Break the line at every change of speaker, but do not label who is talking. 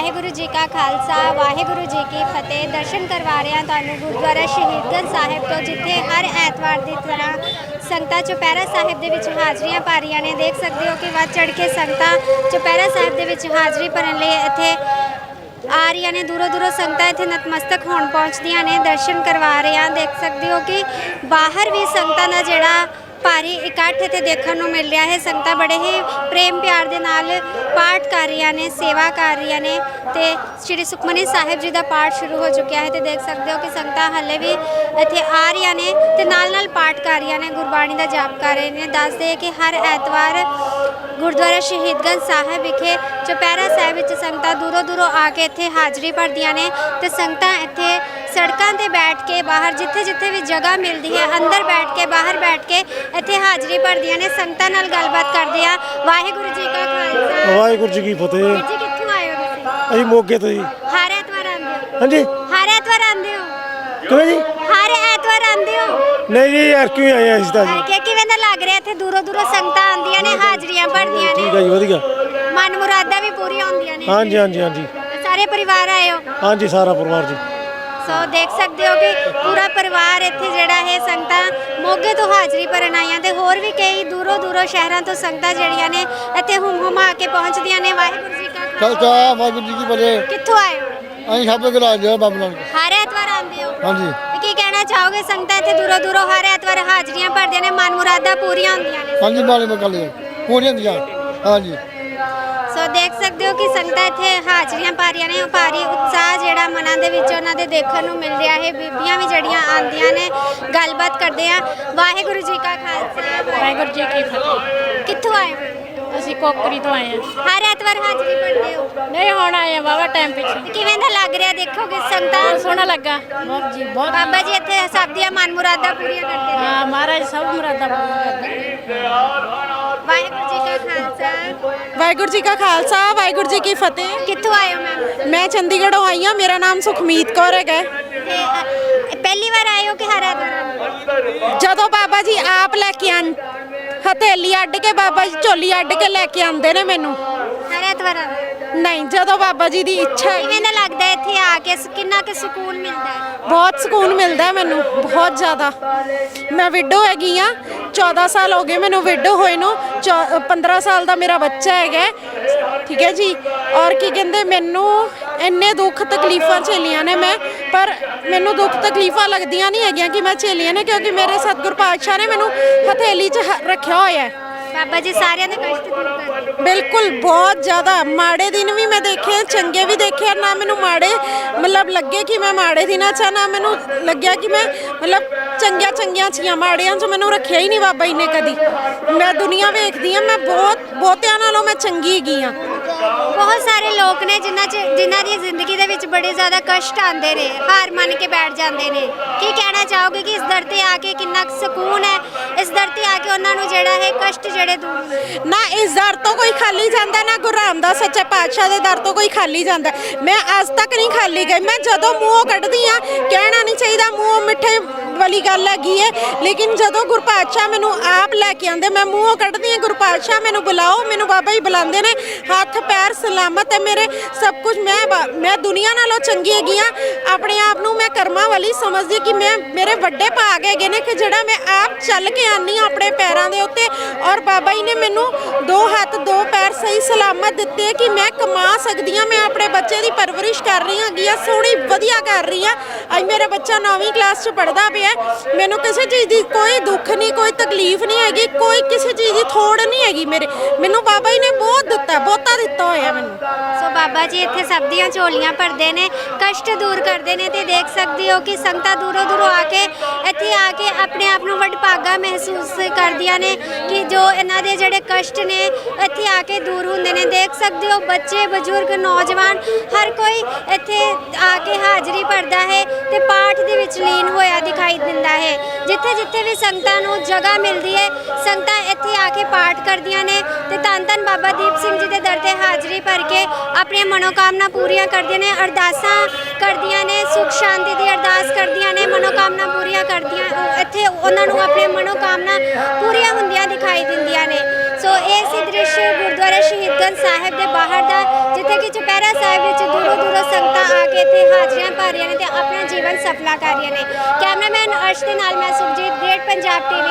वाहिगुरु जी का खालसा वाहिगुरु जी की फतेह। दर्शन करवा रहे हैं तुहानू गुरुद्वारा शहीदगंज साहिब तो, जिथे हर ऐतवार की तरह संगतां चुपहरा साहिब दे विच हाजरियां भर रहीआं ने। देख सकते हो कि वध चढ़ के संगतां चुपहरा साहिब दे विच हाजरी भरन लई इत्थे आ रही ने। दूरों दूरों संगतां इत्थे नतमस्तक होण पहुंचदियां ने, दर्शन करवा रहे हैं। देख सकते हो कि बाहर भी संगतां दा जिहड़ा भारी इकट्ठ इत्थे देखण नूं मिल रहा है। संगतां बड़े ही प्रेम प्यार दे नाल पाठ कर रही ने, सेवा कर रही ने ते श्री सुखमनी साहिब जी का पाठ शुरू हो चुका है। तो देख सकते हो कि संगतां हले भी इत्थे आ रही ने ते नाल नाल पाठ कर रही ने, गुरबाणी का जाप कर रहे हैं। दसदे हैं कि हर ऐतवार गुरुद्वारा शहीदगंज साहिब विखे चुपहरा साहिब विच संगतां दूरों दूरों आके इत्थे हाजरी भरदियां ने ते संगतां इत्थे सड़कों पर बैठ के बाहर जिथे जिथे भी जगह मिलती है अंदर बैठ के बाहर बैठ के इत्थे हाजरी भरदियां ने। संगतां नाल गलबात करदे आ। वाहिगुरू जी का खालसा
वाहिगुरू जी की फतेह।
जी कित्थों आए हो तुसीं?
ਅਸੀਂ ਮੋਗੇ ਤੋਂ ਜੀ।
हर ऐतवार आंदे हो?
ਹਾਂਜੀ
हर ऐतवार आंदे हो?
ਕਿਵੇਂ ਜੀ?
हर ऐतवार आंदे हो?
ਨਹੀਂ ਜੀ ਯਾਰ ਕਿਉਂ ਆਏ ਆ ਅਸੀਂ ਤਾਂ ਜੀ।
ਕਿ ਕਿਵੇਂ ਦਾ ਲੱਗ ਰਿਹਾ ਇੱਥੇ ਦੂਰੋਂ ਦੂਰੋਂ ਸੰਗਤਾਂ ਆਉਂਦੀਆਂ ਨੇ, ਹਾਜ਼ਰੀਆਂ ਭਰਦੀਆਂ
ਠੀਕ
ਨੇ,
ਹੈ ਜੀ ਵਧੀਆ।
ਮਨ ਮੁਰਾਦਾਂ ਵੀ ਪੂਰੀਆਂ ਹੁੰਦੀਆਂ ਨੇ?
ਹਾਂਜੀ ਹਾਂਜੀ ਹਾਂਜੀ
ਸਾਰੇ ਪਰਿਵਾਰ ਆਏ ਹੋ?
ਹਾਂਜੀ ਸਾਰਾ ਪਰਿਵਾਰ ਜੀ।
ਸੋ ਦੇਖ ਸਕਦੇ ਹੋ ਕਿ ਪੂਰਾ ਪਰਿਵਾਰ ਇੱਥੇ ਜਿਹੜਾ ਹੈ ਸੰਗਤਾਂ ਮੋਗੇ ਤੋਂ ਹਾਜ਼ਰੀ ਭਰਨ ਆਈਆਂ ਤੇ ਹੋਰ ਵੀ ਕਈ ਦੂਰੋਂ ਦੂਰੋਂ ਸ਼ਹਿਰਾਂ ਤੋਂ ਸੰਗਤਾਂ ਜਿਹੜੀਆਂ ਨੇ ਇੱਥੇ ਹੁਮਾ ਕੇ ਪਹੁੰਚਦੀਆਂ ਨੇ। ਵਾਹਿਗੁਰੂ ਜੀ ਕਾ
ਖਾਲਸਾ ਵਾਹਿਗੁਰੂ ਜੀ ਕੀ ਫਤਿਹ।
ਕਿੱਥੋਂ ਆਏ ਹੋ?
ਅਸੀਂ ਸਭ ਦੇ ਰਾਜ ਦੇ ਬਾਬਾ ਨਾਨਕ।
ਹਰ ਐਤਵਾਰ ਆਉਂਦੇ ਹੋ?
ਹਾਂਜੀ।
ਤੇ ਕੀ ਕਹਿਣਾ ਚਾਹੋਗੇ? ਸੰਗਤਾਂ ਇੱਥੇ ਦੂਰੋਂ ਦੂਰੋਂ ਹਰ ਐਤਵਾਰ ਹਾਜ਼ਰੀਆਂ ਭਰਦੀਆਂ ਨੇ, ਮਨ ਮੁਰਾਦਾਂ ਪੂਰੀਆਂ ਹੁੰਦੀਆਂ ਨੇ।
ਹਾਂਜੀ ਮਾਲੇ ਮਕਾਲੇ ਪੂਰੀਆਂ ਦੀਆਂ। ਹਾਂਜੀ।
ਸੋ ਦੇਖ ਸਕਦੇ ਹੋ ਕਿ ਸੰਗਤਾਂ ਇੱਥੇ ਹਾਜ਼ਰੀਆਂ ਭਰ ਰਹੀਆਂ ਨੇ। ਭਾਰੀ ਉਤਸ਼ਾਹ ਜਿਹੜਾ ਮਨਾਂ ਦੇ ਵਿੱਚ ਉਹਨਾਂ ਦੇ ਦੇਖਣ ਨੂੰ ਮਿਲ ਰਿਹਾ ਹੈ। ਬੀਬੀਆਂ ਵੀ ਜਿਹੜੀਆਂ ਆਉਂਦੀਆਂ ਨੇ, ਗੱਲਬਾਤ ਕਰਦੇ ਆ। ਵਾਹਿਗੁਰੂ ਜੀ ਕਾ ਖਾਲਸਾ
ਵਾਹਿਗੁਰੂ ਜੀ ਕੀ ਫਤਿਹ।
ਕਿੱਥੋਂ ਆਏ ਹੋ?
ਅਸੀਂ ਕੋਕਰੀ ਤੋਂ ਆਏ ਹਾਂ।
ਹਰ ਐਤਵਾਰ ਹਾਜ਼ਰੀ ਭਰਦੇ ਹੋ?
ਨਹੀਂ ਹੁਣ ਆਏ ਆ ਵਾਵਾ ਟਾਈਮ ਪਿੱਛੇ।
ਤੇ ਕਿਵੇਂ ਦਾ ਲੱਗ ਰਿਹਾ? ਦੇਖੋਗੇ ਸੰਗਤਾਂ
ਬਹੁਤ ਸੋਹਣਾ ਲੱਗਾ। ਬਹੁਤ ਜੀ ਬਹੁਤ।
ਬਾਬਾ ਜੀ ਇੱਥੇ ਸਭ ਦੀਆਂ ਮਨ ਮੁਰਾਦਾਂ ਪੂਰੀਆਂ ਕਰਦੇ ਨੇ।
ਹਾਂ ਮਹਾਰਾਜ ਸਭ ਮੁਰਾਦਾਂ ਪੂਰੀਆਂ ਕਰਦੇ।
ਵਾਹਿਗੁਰੂ ਜੀ ਕਾ ਖਾਲਸਾ
ਵਾਹਿਗੁਰੂ ਜੀ ਕਾ ਖਾਲਸਾ ਵਾਹਿਗੁਰੂ ਜੀ ਕੀ ਫਤਿਹ।
ਕਿੱਥੋਂ ਆਏ ਹੋ ਮੈਮ?
ਮੈਂ ਚੰਡੀਗੜ੍ਹੋਂ ਆਈ ਹਾਂ। ਮੇਰਾ ਨਾਮ ਸੁਖਮੀਤ ਕੌਰ ਹੈਗਾ।
ਤੇ ਪਹਿਲੀ ਵਾਰ ਆਏ ਹੋ ਕਿ ਹਰ ਐਤਵਾਰ ਆਏ ਹੋ?
ਜਦੋਂ ਬਾਬਾ ਜੀ ਆਪ ਲੈ ਕੇ ਆਣ ਹਥੇਲੀ ਅੱਡ ਕੇ ਬਾਬਾ ਜੀ ਝੋਲੀ ਅੱਡ ਕੇ ਲੈ ਕੇ ਆਉਂਦੇ ਨੇ ਮੈਨੂੰ।
ਹਰ ਐਤਵਾਰ ਆਉਂਦੇ ਹੋ?
ਨਹੀਂ, ਜਦੋਂ ਬਾਬਾ ਜੀ ਦੀ ਇੱਛਾ ਹੈ।
ਕਿਵੇਂ ਦਾ ਲੱਗਦਾ ਹੈ ਇੱਥੇ ਆ ਕੇ? ਕਿੰਨਾ ਕੁ ਸਕੂਨ ਮਿਲਦਾ ਹੈ?
ਬਹੁਤ ਸਕੂਨ ਮਿਲਦਾ ਹੈ ਮੈਨੂੰ, ਬਹੁਤ ਜ਼ਿਆਦਾ। ਮੈਂ ਵਿਡੋ ਹੈਗੀ ਆ। 14 ਸਾਲ ਹੋ ਗਏ ਮੈਨੂੰ ਵਿਡੋ ਹੋਏ ਨੂੰ। 15 ਸਾਲ ਦਾ ਮੇਰਾ ਬੱਚਾ ਹੈਗਾ। ਠੀਕ ਹੈ ਜੀ। ਔਰ ਕੀ ਕਹਿੰਦੇ, ਮੈਨੂੰ ਇੰਨੇ ਦੁੱਖ ਤਕਲੀਫਾਂ ਝੇਲੀਆਂ ਨੇ ਮੈਂ, ਪਰ ਮੈਨੂੰ ਦੁੱਖ ਤਕਲੀਫਾਂ ਲੱਗਦੀਆਂ ਨਹੀਂ ਹੈਗੀਆਂ ਕਿ ਮੈਂ ਝੇਲੀਆਂ ਨੇ, ਕਿਉਂਕਿ ਮੇਰੇ ਸਤਿਗੁਰ ਪਾਤਸ਼ਾਹ ਨੇ ਮੈਨੂੰ ਹਥੇਲੀ 'ਚ ਰੱਖਿਆ ਹੋਇਆ ਹੈ।
ਬਾਬਾ ਜੀ ਸਾਰਿਆਂ ਦੇ ਕਸ਼ਟ ਦੂਰ ਕਰਦੇ।
ਬਿਲਕੁਲ, ਬਹੁਤ ਜ਼ਿਆਦਾ। ਮਾੜੇ ਦਿਨ ਵੀ ਮੈਂ ਦੇਖੇ, ਚੰਗੇ ਵੀ ਦੇਖੇ। ਨਾ ਮੈਨੂੰ ਮਾੜੇ ਮਤਲਬ ਲੱਗੇ ਕਿ ਮੈਂ ਮਾੜੇ ਦਿਨਾਂ 'ਚ, ਨਾ ਮੈਨੂੰ ਲੱਗਿਆ ਕਿ ਮੈਂ ਮਤਲਬ ਚੰਗੀਆਂ ਚੀਆਂ। ਮਾੜਿਆਂ 'ਚ ਮੈਨੂੰ ਰੱਖਿਆ ਹੀ ਨਹੀਂ ਬਾਬਾ ਜੀ ਨੇ ਕਦੀ। ਮੈਂ ਦੁਨੀਆ ਵੇਖਦੀ ਹਾਂ, ਮੈਂ ਬਹੁਤਿਆਂ ਨਾਲੋਂ ਮੈਂ ਚੰਗੀ ਹੈਗੀ ਹਾਂ।
ਬਹੁਤ ਸਾਰੇ ਲੋਕ ਨੇ ਜਿਨ੍ਹਾਂ ਦੀ ਜ਼ਿੰਦਗੀ ਦੇ ਵਿੱਚ ਬੜੇ ਜ਼ਿਆਦਾ ਕਸ਼ਟ ਆਉਂਦੇ ਨੇ, ਹਾਰ ਮੰਨ ਕੇ ਬੈਠ ਜਾਂਦੇ ਨੇ। ਕੀ ਕਹਿਣਾ ਚਾਹੋਗੇ ਕਿ ਇਸ ਦਰ ਤੇ ਆ ਕੇ ਕਿੰਨਾ ਸਕੂਨ ਹੈ? ਇਸ ਦਰ ਤੇ ਆ ਕੇ ਉਹਨਾਂ ਨੂੰ ਜਿਹੜਾ ਹੈ ਕਸ਼ਟ ਜਿਹੜੇ ਦੂਰ ਹੁੰਦੇ
ਨਾ ਇਸ ਦਰ ਤੋਂ ਕੋਈ ਖਾਲੀ ਜਾਂਦਾ, ਨਾ ਗੁਰੂ ਰਾਮਦਾਸ ਸੱਚੇ ਪਾਤਸ਼ਾਹ ਦੇ ਦਰ ਤੋਂ ਕੋਈ ਖਾਲੀ ਜਾਂਦਾ। ਮੈਂ ਅੱਜ ਤੱਕ ਨਹੀਂ ਖਾਲੀ ਗਈ। ਮੈਂ ਜਦੋਂ ਮੂੰਹੋਂ ਕੱਢਦੀ ਆ, ਕਹਿਣਾ ਨਹੀਂ ਚਾਹੀਦਾ ਮੂੰਹੋਂ ਮਿੱਠੇ ਵਾਲੀ ਗੱਲ ਹੈਗੀ ਹੈ, ਲੇਕਿਨ ਜਦੋਂ ਗੁਰੂ ਪਾਤਸ਼ਾਹ ਮੈਨੂੰ ਆਪ ਲੈ ਕੇ ਆਉਂਦੇ, ਮੈਂ ਮੂੰਹੋਂ ਕੱਢਦੀ ਆ ਗੁਰੂ ਪਾਤਸ਼ਾਹ ਮੈਨੂੰ ਬੁਲਾਓ। ਮੈਨੂੰ ਬਾਬਾ ਜੀ ਬੁਲਾਉਂਦੇ ਨੇ। ਹੱਥ ਪੈਰ ਸਲਾਮਤ ਹੈ ਮੇਰੇ, ਸਭ ਕੁਝ। ਮੈਂ ਦੁਨੀਆ ਨਾਲੋਂ ਚੰਗੀ ਹੈਗੀ ਆ। ਆਪਣੇ ਆਪ ਨੂੰ ਮੈਂ ਕਰਮਾਂ ਵਾਲੀ ਸਮਝਦੀ ਕਿ ਮੇਰੇ ਵੱਡੇ ਭਾਗ ਹੈਗੇ ਨੇ ਕਿ ਜਿਹੜਾ ਮੈਂ ਆਪ ਚੱਲ ਕੇ ਆਨੀ ਆ ਆਪਣੇ ਪੈਰਾਂ ਦੇ ਉੱਤੇ। ਔਰ ਬਾਬਾ ਜੀ ਨੇ ਮੈਨੂੰ 2 ਹੱਥ 2 ਪੈਰ ਸਹੀ ਸਲਾਮਤ ਦਿੱਤੇ ਕਿ ਮੈਂ ਕਮਾ ਸਕਦੀ ਹਾਂ। ਮੈਂ ਆਪਣੇ ਬੱਚੇ ਦੀ ਪਰਵਰਿਸ਼ ਕਰ ਰਹੀ ਹੈਗੀ ਆ, ਸੋਹਣੀ ਵਧੀਆ ਕਰ ਰਹੀ ਆ। ਅੱਜ ਮੇਰਾ ਬੱਚਾ 9ਵੀਂ ਕਲਾਸ 'ਚ ਪੜ੍ਹਦਾ ਪਿਆ। ਮੈਨੂੰ ਕਿਸੇ ਚੀਜ਼ ਦੀ ਕੋਈ ਦੁੱਖ ਨਹੀਂ, ਕੋਈ ਤਕਲੀਫ ਨਹੀਂ ਹੈਗੀ, ਕੋਈ ਕਿਸੇ ਚੀਜ਼ ਦੀ ਥੋੜ ਨਹੀਂ ਹੈਗੀ। ਮੈਨੂੰ ਬਾਬਾ ਜੀ ਨੇ ਬਹੁਤ ਦਿੱਤਾ, ਬਹੁਤਾ ਦਿੱਤਾ ਹੋਇਆ ਮੈਨੂੰ।
ਸੋ ਬਾਬਾ ਜੀ ਇੱਥੇ ਸਭ ਦੀਆਂ ਝੋਲੀਆਂ ਭਰਦੇ ਨੇ, ਕਸ਼ਟ ਦੂਰ ਕਰਦੇ ਨੇ। ਤੇ ਦੇਖ ਸਕਦੇ ਹੋ ਕਿ ਸੰਗਤਾਂ ਦੂਰੋਂ ਦੂਰੋਂ ਆ ਕੇ ਇੱਥੇ ਆ ਕੇ ਆਪਣੇ ਆਪ ਨੂੰ ਵਡਭਾਗਾ ਮਹਿਸੂਸ ਕਰਦੀਆਂ ਨੇ ਕਿ ਜੋ ਇਹਨਾਂ ਦੇ ਜਿਹੜੇ ਕਸ਼ਟ ਨੇ ਇੱਥੇ ਆ ਕੇ ਦੂਰ ਹੁੰਦੇ ਨੇ। ਦੇਖ ਸਕਦੇ ਹੋ ਬੱਚੇ, ਬਜ਼ੁਰਗ, ਨੌਜਵਾਨ ਹਰ ਕੋਈ ਇੱਥੇ ਆ ਕੇ ਹਾਜ਼ਰੀ ਭਰਦਾ ਹੈ ਤੇ ਪਾਠ ਦੇ ਵਿੱਚ ਲੀਨ ਹੋਇਆ ਦਿਖਾਈ ਦਿੰਦਾ ਹੈ। ਜਿੱਥੇ ਜਿੱਥੇ ਵੀ ਸੰਗਤਾਂ ਨੂੰ ਜਗ੍ਹਾ ਮਿਲਦੀ ਹੈ, ਸੰਗਤਾਂ ਇੱਥੇ ਆ ਕੇ ਪਾਠ ਕਰਦੀਆਂ ਨੇ ਤੇ ਧੰਨ ਧੰਨ ਬਾਬਾ ਦੀਪ ਸਿੰਘ ਜੀ ਦੇ ਦਰ ਤੇ ਹਾਜ਼ਰੀ ਭਰ ਕੇ ਆਪਣੀਆਂ ਮਨੋਕਾਮਨਾ ਪੂਰੀਆਂ ਕਰਦੀਆਂ ਨੇ, ਅਰਦਾਸਾਂ ਕਰਦੀਆਂ ਨੇ, ਸੁਖ ਸ਼ਾਂਤੀ ਦੀ ਅਰਦਾਸ ਕਰਦੀਆਂ ਨੇ, ਮਨੋਕਾਮਨਾ ਪੂਰੀਆਂ ਕਰਦੀਆਂ। ਇੱਥੇ ਉਹਨਾਂ ਨੂੰ ਆਪਣੀਆਂ ਮਨੋਕਾਮਨਾ ਪੂਰੀਆਂ ਹੁੰਦੀਆਂ ਦਿਖਾਈ ਦਿੰਦੀਆਂ ਨੇ। ਸੋ ਇਹ ਸੀ ਦ੍ਰਿਸ਼ ਗੁਰਦੁਆਰਾ ਸ਼ਹੀਦਗੰਜ ਸਾਹਿਬ ਦੇ ਬਾਹਰ ਦਾ, ਜਿੱਥੇ ਕਿ ਚੁਪਹਿਰਾ ਸਾਹਿਬ ਵਿੱਚ ਦੂਰੋਂ ਤੋਂ ਸੰਗਤਾਂ ਆ ਕੇ ਇੱਥੇ ਹਾਜ਼ਰੀਆਂ ਭਰ ਰਹੀਆਂ ਨੇ ਤੇ ਆਪਣਾ ਜੀਵਨ ਸਫਲਾ ਕਰ ਰਹੀਆਂ ਨੇ। ਕੈਮਰਾਮੈਨ ਅਰਸ਼ ਦੇ ਨਾਲ ਮੈਂ ਸੁਖਜੀਤ, ਗ੍ਰੇਟ ਪੰਜਾਬ ਟੀਵੀ।